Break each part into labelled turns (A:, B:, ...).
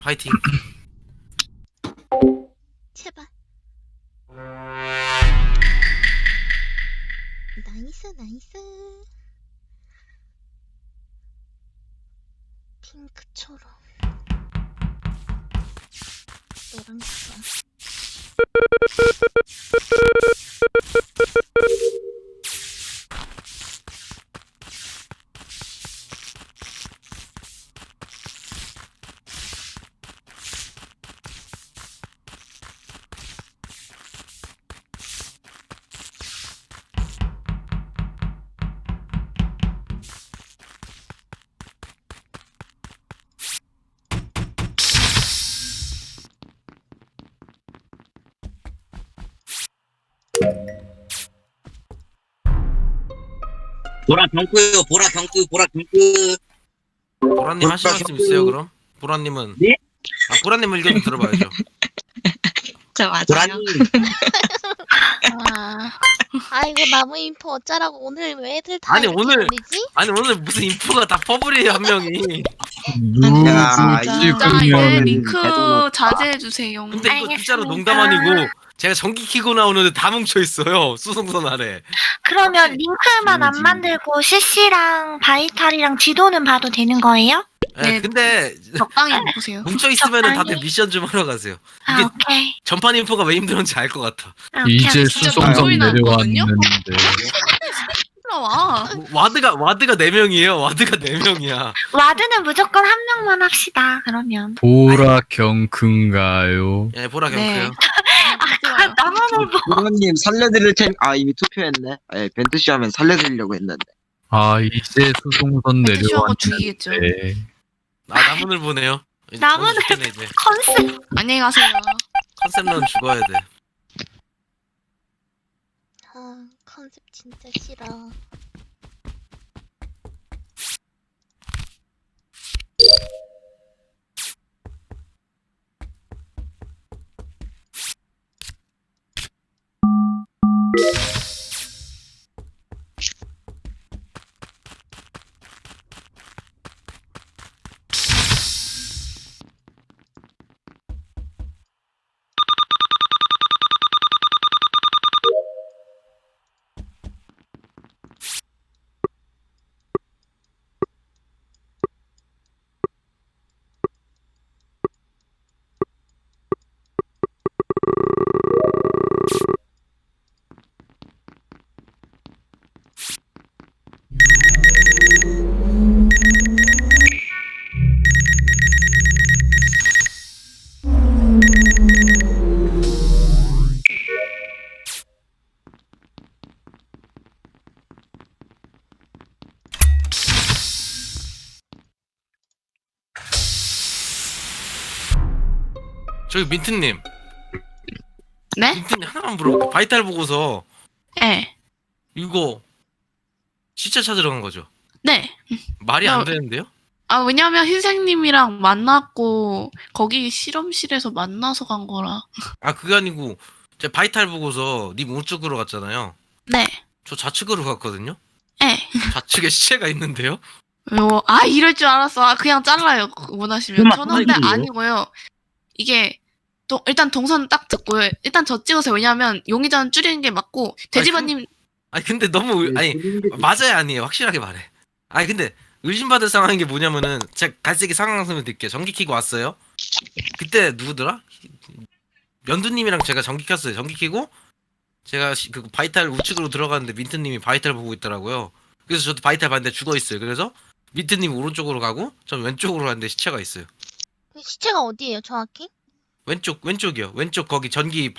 A: 파이팅.
B: 제발. 나이스 나이스. 핑크처럼 노란색깔.
C: 보라 병크요, 보라 병크, 보라 병크.
A: 보라님 하실 말씀 있어요 그럼? 보라님은
C: 네?
A: 보라님 의견 좀 들어봐야죠.
D: 저 맞아요.
C: 보라님,
B: 아이고 나무 인포 어쩌라고 오늘 왜 애들 다
A: 아니,
B: 이렇게
A: 오늘-
B: 놀리지?
A: 아니 오늘 무슨 인프가 다 퍼블이에요 한 명이.
C: 야,
D: 진짜
C: 이제
D: 이제
C: 링크
D: 링크 자제해 주세요.
A: 근데 이거 진짜로 농담 아니고 제가 전기 키고 나오는데 다 뭉쳐 있어요 수송선 아래.
E: 그러면 링크만 안 만들고 CC랑 바이탈이랑 지도는 봐도 되는 거예요?
A: 네,
D: 네.
A: 근데
D: 적당히 보세요.
A: 뭉쳐 있으면은
E: 적당히.
A: 다들 미션 좀 하러 가세요.
E: 아,
A: 이게
E: 오케이.
A: 전판 인프가 왜 힘들었는지 알 것 같아.
E: 아, 오케이,
F: 이제
E: 알겠어.
F: 수송선
D: 목소리 나왔거든요?
F: 내려왔는데
D: 올라와.
A: 와드가 4명이에요. 와드가 4명이야.
E: 와드는 무조건 한 명만 합시다. 그러면.
F: 보라 경큰가요?
A: 예, 보라
D: 네.
A: 경크요.
E: 나무는
C: 보라님 살려드릴 텐. 아 이미 투표했네. 예, 벤트씨 하면 살려드리려고 했는데.
F: 아 이제 수송선
D: 멘트쇼하고 죽이겠죠.
F: 내려왔는데
A: 나문을 보내요.
E: 나문을-
A: 죽겠네, 이제.
E: 컨셉.
D: 안녕히 가세요.
A: 컨셉런 죽어야 돼.
B: 아 컨셉 진짜 싫어.
A: 저기 민트님.
D: 네?
A: 민트님 하나만 물어볼게요. 바이탈 보고서
D: 네.
A: 이거 시체 찾으러 간 거죠?
D: 네.
A: 말이 안
D: 나-
A: 되는데요?
D: 왜냐면 흰색님이랑 만났고 거기 실험실에서 만나서 간 거라.
A: 아 그게 아니고 제가 바이탈 보고서 님 우측으로 갔잖아요.
D: 네.
A: 저 좌측으로 갔거든요.
D: 네.
A: 좌측에 시체가 있는데요.
D: 이럴 줄 알았어. 그냥 잘라요. 원하시면.
C: 그만
D: 저는 근데
C: 그만이에요.
D: 아니고요. 이게 일단 동선 딱 듣고요. 일단 저 찍으세요. 왜냐면 용의자는 줄이는 게 맞고 돼지바님
A: 아니 근데 너무 아니 맞아야 아니에요. 확실하게 말해. 아니 근데 의심받을 상황인 게 뭐냐면은 제가 갈색이 상황 설명 드릴게요. 전기 켜고 왔어요. 그때 누구더라? 면두님이랑 제가 전기 켰어요. 전기 켜고 제가 그 바이탈 우측으로 들어갔는데 민트님이 바이탈 보고 있더라고요. 그래서 저도 바이탈 봤는데 죽어 있어요. 그래서 민트님 오른쪽으로 가고 전 왼쪽으로 갔는데 시체가 있어요.
B: 시체가 어디예요 정확히?
A: 왼쪽이요. 왼쪽 거기 전기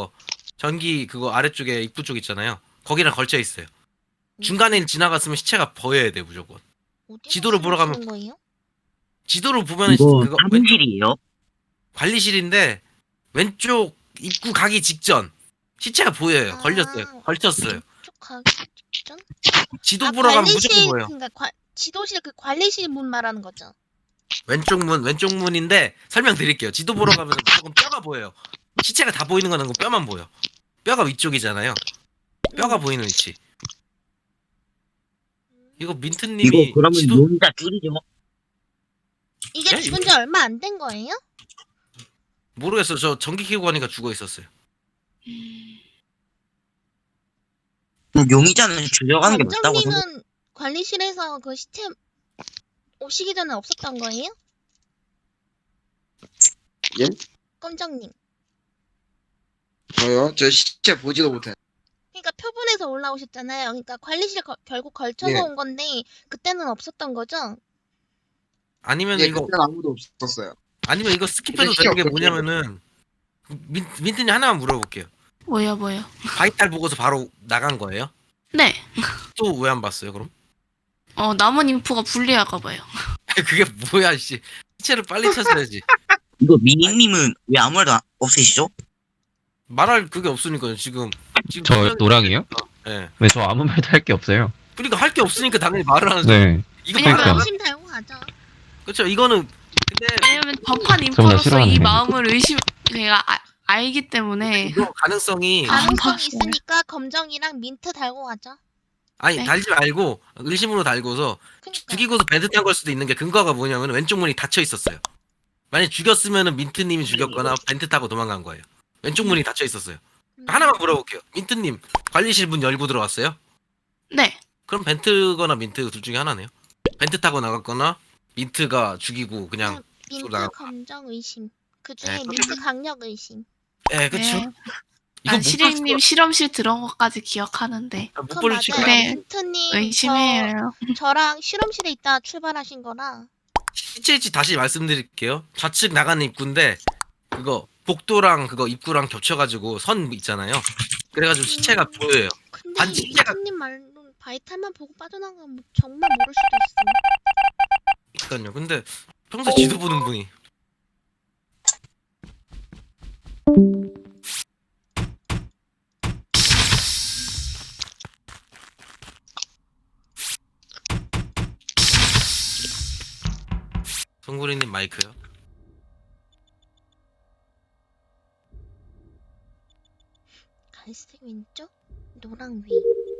A: 그거 아래쪽에 입구 쪽 있잖아요. 거기랑 걸쳐 있어요. 중간에 지나갔으면 시체가 보여야 돼 무조건.
B: 어디서
A: 지도를 보러 가면-
B: 사진 찍은 거예요?
A: 지도로 보면은
C: 이거
A: 그거
C: 사무실이에요?
A: 관리실인데 왼쪽 입구 가기 직전 시체가 보여요.
B: 아.
A: 걸쳤어요.
B: 쭉 가기 직전?
A: 지도 보러 가면
B: 관리실,
A: 무조건 보여.
B: 그러니까 지도실 그 관리실 문 말하는 거죠.
A: 왼쪽 문인데 설명드릴게요. 지도 보러 가면 무조건 뼈가 보여요. 시체가 다 보이는 건 아니고 뼈만 보여. 뼈가 위쪽이잖아요. 뼈가 보이는 위치. 이거 민트님이
C: 이거 그러면
A: 지도
C: 용자 줄이죠.
B: 이게
A: 예?
B: 죽은 지 얼마 안 된 거예요?
A: 모르겠어. 저 전기 켜고 가니까 죽어 있었어요.
C: 용의자는 죽여가는 게 맞다고 생각.
B: 검정님은 관리실에서 그 시체 오시기 전에 없었던 거예요?
C: 예?
B: 검정님.
C: 저요? 저 시체 보지도 못해.
B: 그러니까 표본에서 올라오셨잖아요. 그러니까 관리실 결국 걸쳐서
C: 네.
B: 온 건데 그때는 없었던 거죠?
A: 아니면
C: 예,
A: 이거
C: 그때는 아무도 없었어요.
A: 아니면 이거 스킵해도
C: 이게
A: 되는 게
C: 없었어요.
A: 뭐냐면은 민트님 하나만 물어볼게요.
D: 뭐요?
A: 바이탈 보고서 바로 나간 거예요?
D: 네.
A: 또 왜 안 봤어요 그럼?
D: 남은 인포가 불리할까 봐요.
A: 그게 뭐야 씨. 시체를 빨리 찾아야지.
G: 이거 미니님은 왜 아무 말도 없으시죠?
A: 말할 그게 없으니까요 지금.
F: 저 노랑이요?
A: 예.
F: 네, 저 아무 말도 할 게 없어요.
A: 그러니까 할 게 없으니까 당연히 말을 하는.
F: 네.
A: 이거
B: 그냥
F: 그러니까.
B: 의심 달고 가죠.
A: 그렇죠. 이거는 근데
D: 왜냐면 법한
F: 저보다
D: 인포로서
F: 싫어하는
D: 이
F: 거.
D: 마음을 제가 알기 때문에
A: 이거 가능성이
B: 가능성이
D: 봤어요.
B: 있으니까 검정이랑 민트 달고 가죠.
A: 아니
D: 네.
A: 달지 말고 의심으로 달고서
B: 그니까.
A: 죽이고서 벤트 탄 걸 수도 있는 게 근거가 뭐냐면 왼쪽 문이 닫혀 있었어요. 만약 죽였으면은 민트님이 죽였거나 벤트 타고 도망간 거예요. 왼쪽 문이 닫혀 있었어요. 하나만 물어볼게요. 민트님 관리실 문 열고 들어왔어요?
D: 네.
A: 그럼 벤트거나 민트 둘 중에 하나네요. 벤트 타고 나갔거나 민트가 죽이고 그냥
B: 민트
A: 나가-
B: 검정 의심. 그 중에
A: 네,
B: 민트 강력 의심.
A: 예 그쵸.
D: 네.
A: 이거
D: 시리님 실험실 들어온 것까지 기억하는데
A: 못
B: 그건
A: 벌릴
B: 맞아요.
A: 수가
D: 그래.
B: 민트님
D: 의심해요.
B: 저랑 실험실에 있다 출발하신 거라.
A: 시체 위치 다시 말씀드릴게요. 좌측 나가는 입구인데 그거 복도랑 그거 입구랑 겹쳐가지고 선 있잖아요. 그래가지고 시체가 보여요.
B: 근데
A: 아니, 진짜가-
B: 민트님 말로는 바이탈만 보고 빠져나가면 뭐 정말 모를 수도 있어.
A: 그러니까요. 근데 평소에 지도 보는 분이 송구리님 마이크요.
B: 갈색 왼쪽, 노랑 위.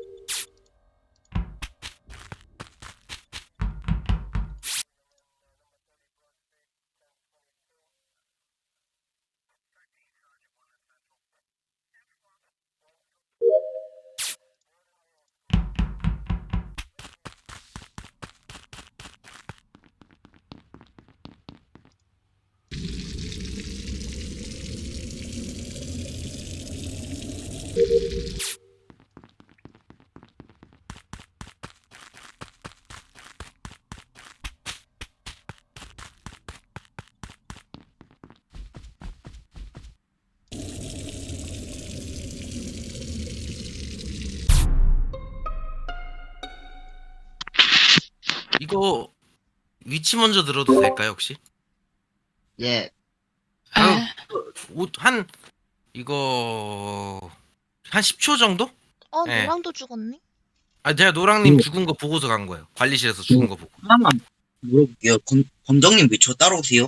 A: 이거 위치 먼저 들어도 될까요 혹시?
C: 예.
A: 아유,
D: 에,
A: 한 이거 한 10초 정도? 네.
B: 노랑도 죽었네.
A: 아 제가 노랑님 죽은 거 보고서 간 거예요. 관리실에서 죽은 거 보고.
G: 하나만 물어볼게요. 검정님 왜 저 따라오세요?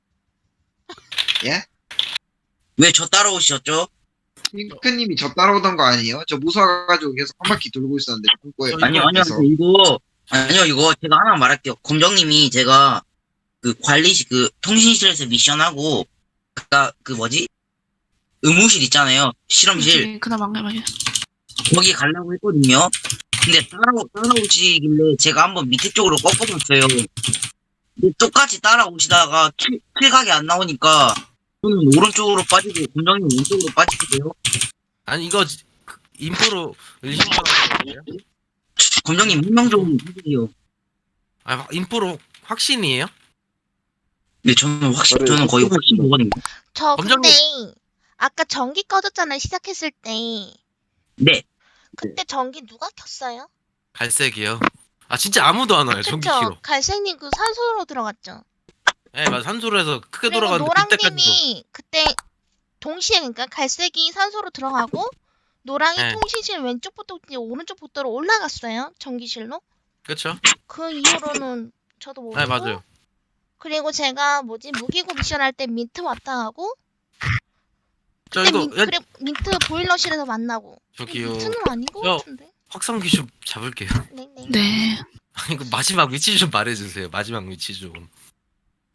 C: 예?
G: 왜 저 따라오셨죠?
C: 핑크님이 저 따라오던 거 아니에요? 저 무서워가지고 계속 한 바퀴 돌고 있었는데 창고에
G: 아니요,
C: 그래서.
G: 이거 제가 하나 말할게요. 검정님이 제가 그 관리실, 그 통신실에서 미션하고, 그 뭐지? 의무실 있잖아요. 실험실.
D: 그나마 안 가면
G: 거기 가려고 했거든요. 근데 따라오시길래 제가 한번 밑에 쪽으로 꺾어봤어요. 근데 똑같이 따라오시다가 킬각이 안 나오니까 저는 오른쪽으로 빠지고 검정님 왼쪽으로 빠지세요.
A: 아니 이거 인포로 의심받는 거예요?
G: 검정님 한명 좀 해주세요.
A: 아 인포로 확신이에요?
G: 네, 저는 거의 확신 보거든요.
B: 저
A: 검정님-
B: 근데 아까 전기 꺼졌잖아요. 시작했을 때.
G: 네.
B: 그때 전기 누가 켰어요?
A: 갈색이요. 아 진짜 아무도 안 와요 전기
B: 그쵸?
A: 키로.
B: 갈색님 그 산소로 들어갔죠.
A: 예 맞아 산소로 해서 크게
B: 그리고
A: 돌아갔는데 그때까지도.
B: 노랑님이 그때 동시에 그러니까 갈색이 산소로 들어가고 노랑이
A: 네.
B: 통신실 왼쪽부터 이제 오른쪽 복도로 올라갔어요. 전기실로.
A: 그렇죠?
B: 그 이후로는 저도 모르고.
A: 네 맞아요.
B: 그리고 제가 무기고 미션 할 때 민트 왔다 하고
A: 저
B: 그때
A: 이거
B: 민트 보일러실에서 만나고.
A: 저기요.
B: 민트는 아닌 것
A: 저-
B: 같은데.
A: 확성기 좀 잡을게요.
B: 네네.
D: 네.
A: 아니 그 마지막 위치 좀 말해주세요. 마지막 위치 좀.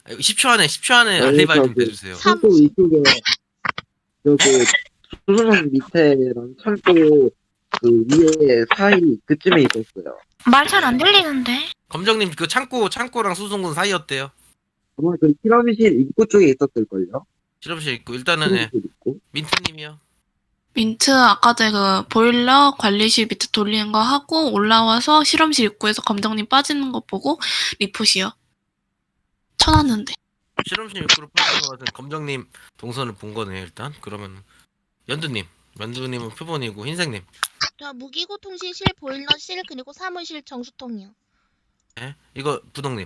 A: 10초 안에 10초 안에
C: 네,
A: 알리바이 좀
C: 저기
A: 대주세요.
C: 창고 이쪽에 저그 소주는 밑에랑 창고 그 위에 사이 그쯤에 있었어요.
E: 말 잘 안 들리는데.
A: 검정님 그 창고랑 수송군 사이였대요.
C: 아마 그 실험실 입구 쪽에 있었을걸요?
A: 실험실 있고 일단은 예,
C: 실험실 입구.
A: 민트님이요.
D: 민트 아까 전에 그 보일러 관리실 밑에 돌리는 거 하고 올라와서 실험실 입구에서 검정님 빠지는 거 보고 리포시요. 쳐놨는데.
A: 실험실 입구로 빠진 것 같은 검정님 동선을 본 거네요 일단. 그러면 연두님은 표본이고 흰색님.
B: 저 무기고 통신실, 보일러실 그리고 사무실 정수통이요.
A: 예? 이거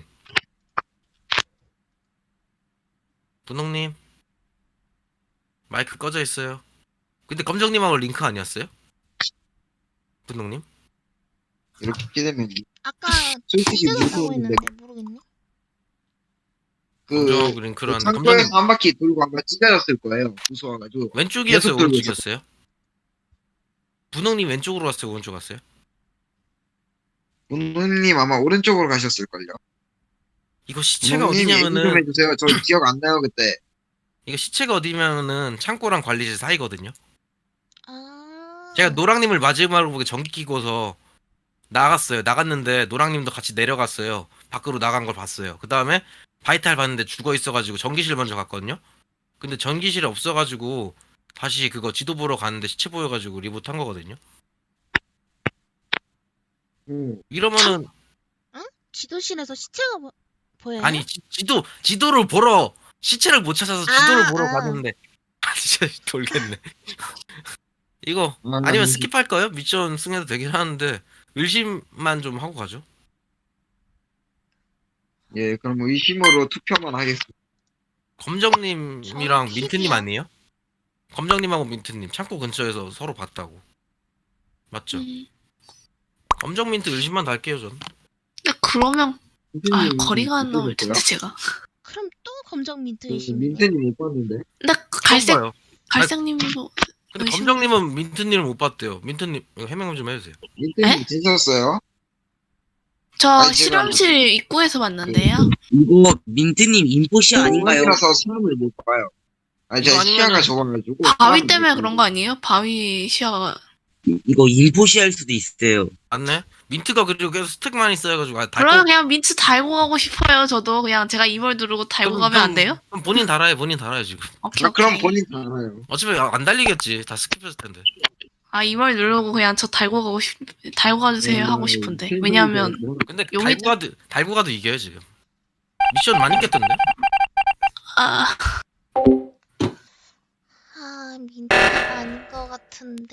A: 분홍님 마이크 꺼져 있어요. 근데 검정님하고 링크 아니었어요? 분홍님?
C: 이렇게 되면
B: 아까
C: 솔직히
B: 찢어졌다고
C: 무서운데
B: 했는데 모르겠네.
C: 그
A: 검정 링크로 하는데
C: 창고에서
A: 검정님
C: 한 바퀴 돌고 아마 찢어졌을 거예요. 무서워가지고.
A: 왼쪽이었어요
C: 계속 들고
A: 오른쪽이었어요? 분홍님 왼쪽으로 갔어요 오른쪽 갔어요?
C: 문우님 아마 오른쪽으로 가셨을걸요.
A: 이거 시체가
C: 문우님 얘기 좀
A: 어디냐면은
C: 해주세요. 저 기억 안 나요 그때.
A: 이거 시체가 어디냐면은 창고랑 관리실 사이거든요.
B: 아.
A: 제가 노랑님을 마지막으로 보게 전기 끼고서 나갔어요. 나갔는데 노랑님도 같이 내려갔어요. 밖으로 나간 걸 봤어요. 그 다음에 바이탈 봤는데 죽어 있어가지고 전기실 먼저 갔거든요. 근데 전기실에 없어가지고 다시 그거 지도 보러 갔는데 시체 보여가지고 리부트 한 거거든요. 이러면은
B: 지도실에서 시체가 보여요?
A: 아니 지도를 보러 시체를 못 찾아서 지도를
B: 아,
A: 보러
B: 아.
A: 갔는데 진짜 돌겠네. 이거 아니면 스킵할까요? 미션 승해도 되긴 하는데 의심만 좀 하고 가죠.
C: 예, 그럼 의심으로 투표만 하겠습니다.
A: 검정님이랑
B: 저
A: 민트님
B: 픽이요.
A: 아니에요? 검정님하고 민트님 창고 근처에서 서로 봤다고. 맞죠? 검정 민트 의심만 달게요 전.
D: 근데 그러면
C: 민트님
D: 거리가 안 나올
C: 있었어요?
D: 텐데 제가.
B: 그럼 또 검정 민트
C: 그
B: 의심이네.
C: 민트님 못 봤는데.
D: 근데 그 갈색님도
A: 근데
D: 의심-
A: 검정님은 민트님을 못 봤대요. 민트님 이거 해명 좀 해주세요.
C: 민트님 찢었어요?
D: 저
C: 아니, 제가-
D: 실험실 입구에서 봤는데요.
G: 이거 민트님 인포시 아닌가요?
C: 이라서 사람을 못 봐요. 아니
A: 이거
C: 제가
A: 아니면은
C: 시야가 좁아가지고.
D: 바위
C: 사람을
D: 때문에
C: 못
D: 그런
C: 봐요.
D: 거 아니에요? 바위 시야가.
G: 이거 인포시 할 수도 있어요.
A: 맞네. 민트가 그리고 계속 스택만 있어가지고
D: 그러면 그냥 민트 달고 가고 싶어요. 저도 그냥 제가 이걸 누르고 달고 가면 안 돼요?
A: 그럼 본인 달아요. 지금.
D: 오케이,
C: 아, 그럼
D: 오케이.
C: 본인 다 알아요.
A: 어차피 안 달리겠지. 다 스킵했을 텐데.
D: 이걸 누르고 그냥 저 달고 가주세요 하고 싶은데. 왜냐면
A: 근데
D: 용의-
A: 달고 가도 이겨요 지금. 미션 많이 깼던데.
D: 아,
B: 아 민트가 아닌 것 같은데.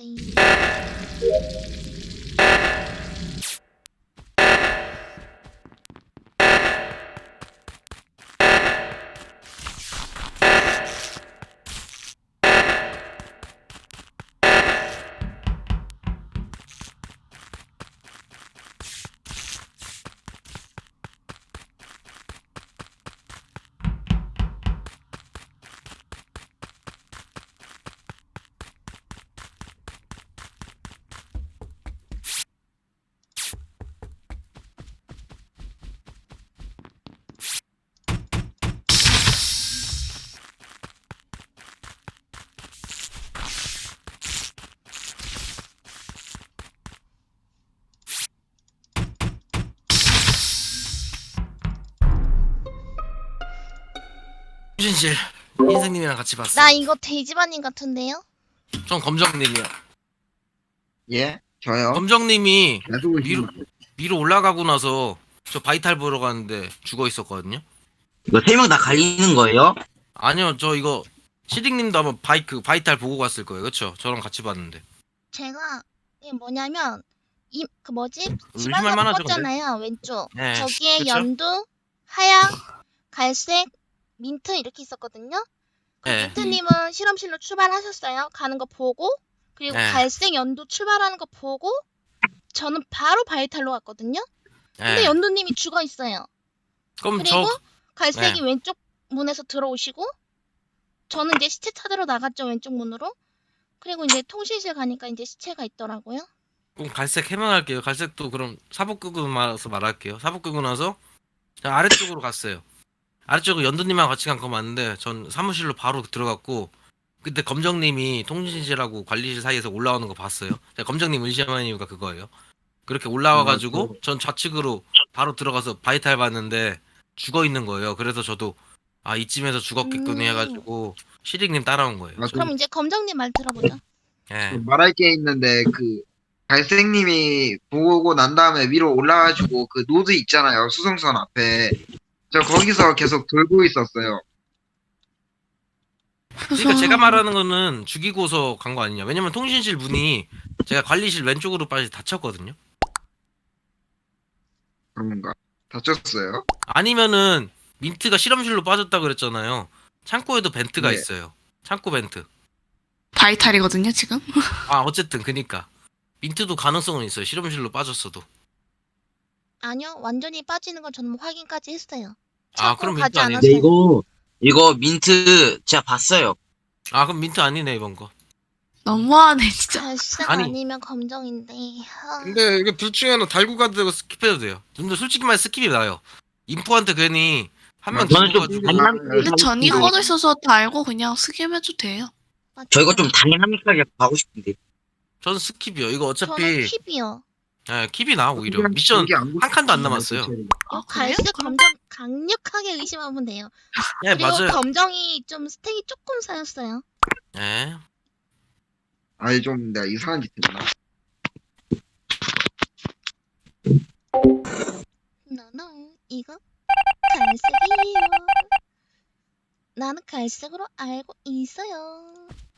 A: 휴신실 흰색님이랑 같이 봤어.
B: 나 이거 돼지반님 같은데요?
A: 전 검정님이요.
C: 예? 저요?
A: 검정님이
C: 놔두고
A: 위로
C: 있습니다.
A: 위로 올라가고 나서 저 바이탈 보러 갔는데 죽어 있었거든요.
G: 이거 3명 다 갈리는 거예요?
A: 아니요, 저 이거 시딩님도 아마 바이탈 보고 갔을 거예요, 그렇죠? 저랑 같이 봤는데.
B: 제가 이게 뭐냐면 그 뭐지?
A: 의심할
B: 집안으로
A: 만하죠, 근데.
B: 껐잖아요 왼쪽.
A: 네,
B: 저기에
A: 그쵸?
B: 연두, 하양, 갈색, 민트 이렇게 있었거든요.
A: 네.
B: 민트님은 실험실로 출발하셨어요. 가는 거 보고 그리고
A: 네.
B: 갈색 연두 출발하는 거 보고 저는 바로 바이탈로 갔거든요. 근데
A: 네.
B: 연두님이 죽어 있어요.
A: 그럼
B: 그리고
A: 저
B: 갈색이
A: 네.
B: 왼쪽 문에서 들어오시고 저는 이제 시체 찾으러 나갔죠 왼쪽 문으로. 그리고 이제 통신실 가니까 이제 시체가 있더라고요.
A: 그럼 갈색 해명할게요. 갈색도 그럼 사복 끄고 나서 말할게요. 사복 끄고 나서 저 아래쪽으로 갔어요. 아래쪽에 연두님하고 같이 간 거 맞는데 전 사무실로 바로 들어갔고 그때 검정님이 통신실하고 관리실 사이에서 올라오는 거 봤어요. 제가 검정님 의심하는 이유가 그거예요. 그렇게 올라와가지고 전 좌측으로 바로 들어가서 바이탈 봤는데 죽어 있는 거예요. 그래서 저도 아 이쯤에서 죽었겠거니 해가지고 시릭님 따라온 거예요.
C: 아,
B: 그럼 이제 검정님 말 들어보자.
A: 예.
C: 말할 게 있는데 그 갈색님이 보고 난 다음에 위로 올라가지고 그 노드 있잖아요. 수송선 앞에. 저 거기서 계속 돌고 있었어요.
A: 그러니까 제가 말하는 거는 죽이고서 간 거 아니냐. 왜냐면 통신실 문이 제가 관리실 왼쪽으로 빠지 닫혔거든요.
C: 그런가? 다쳤어요?
A: 아니면은 민트가 실험실로 빠졌다 그랬잖아요. 창고에도 벤트가
C: 네.
A: 있어요. 창고 벤트.
D: 바이탈이거든요 지금.
A: 아 어쨌든 그니까 민트도 가능성은 있어요. 실험실로 빠졌어도.
B: 아니요, 완전히 빠지는 건 저는 확인까지 했어요.
A: 아 그럼 민트
B: 가지
A: 아니네.
G: 근데
B: 않았어요.
G: 이거 민트 제가 봤어요.
A: 아 그럼 민트 아니네 이번 거.
D: 너무하네 진짜.
B: 갈색
A: 아니.
B: 아니면 검정인데.
A: 근데 이거 둘 중에 하나 달고 가도 되고 스킵해도 돼요. 근데 솔직히 말해 스킵이 나요. 인포한테 괜히 한 명
G: 저는 좀
A: 죽어가지고
D: 근데 전이
C: 이거-
D: 꺼져 있어서 다 알고 그냥 스킵해도 돼요.
G: 저 이거 좀 다이나믹하게 가고 싶은데.
A: 저는 스킵이요. 이거
B: 저는
A: 어차피
B: 킵이요.
A: 예, 킵이 나 오히려
C: 그냥
A: 미션
C: 이게 안
A: 한 칸도 안 남았어요.
B: 요
D: 아,
B: 갈색
D: 그래요?
B: 검정 강력하게 의심하면 돼요.
A: 예
B: 그리고
A: 맞아요.
B: 검정이 좀 스택이 조금 쌓였어요.
A: 예.
C: 아니 좀 내가 이상한 짓 했나?
B: 너너 이거 갈색이에요. 나는 갈색으로 알고 있어요.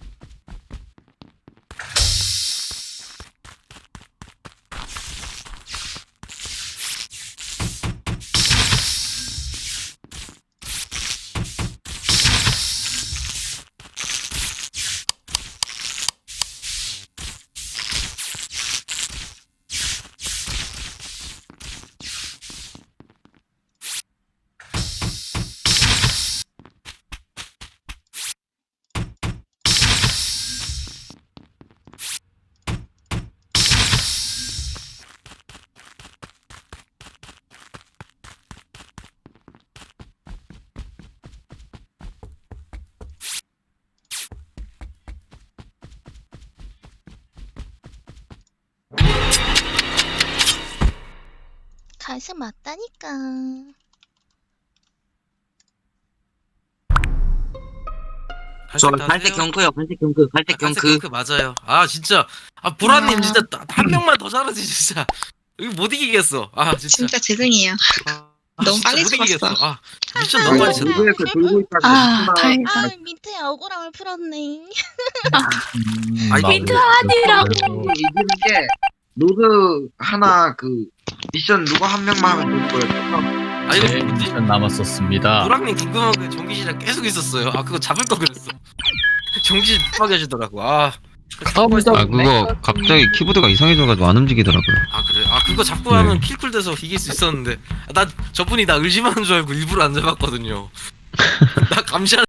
B: 갈색 맞다니까.
G: 저
A: 갈색
G: 갈색
A: 다세요?
G: 경크요. 갈색 경크. 갈색
A: 갈색
G: 경크.
A: 경크 맞아요. 아 진짜 아 보라님
D: 아.
A: 진짜 한 명만 더 잘하지 진짜. 이거 못 이기겠어. 아 진짜.
H: 진짜 죄송해요. 너무
A: 진짜
H: 빨리
A: 못 이기겠어.
H: 죽었어.
A: 아 미션 너무 많이 쳤다.
C: 노드에서 돌고 있다가
D: 아
C: 있구나.
D: 다행이다.
B: 아 민트의 억울함을 풀었네.
A: 아니,
D: 민트 아니라고.
C: 이기는 게 노드 하나 그 미션 누가 한 명만 하면 되는 거예요.
A: 아니
I: 네,
A: 이거 뭐지?
I: 미션 남았었습니다.
A: 노랑님 궁금한 게 전기실에 계속 있었어요. 아 그거 잡을 거 그랬어. 전기실 못 가게 하시더라고. 아
F: 아 그거 갑자기 키보드가 이상해져가지고 안 움직이더라고요.
A: 아 그래? 아 그거 잡고 하면 킬쿨 돼서 이길 수 있었는데 나 저분이 나 의심하는 줄 알고 일부러 안 잡았거든요. 나 감시하는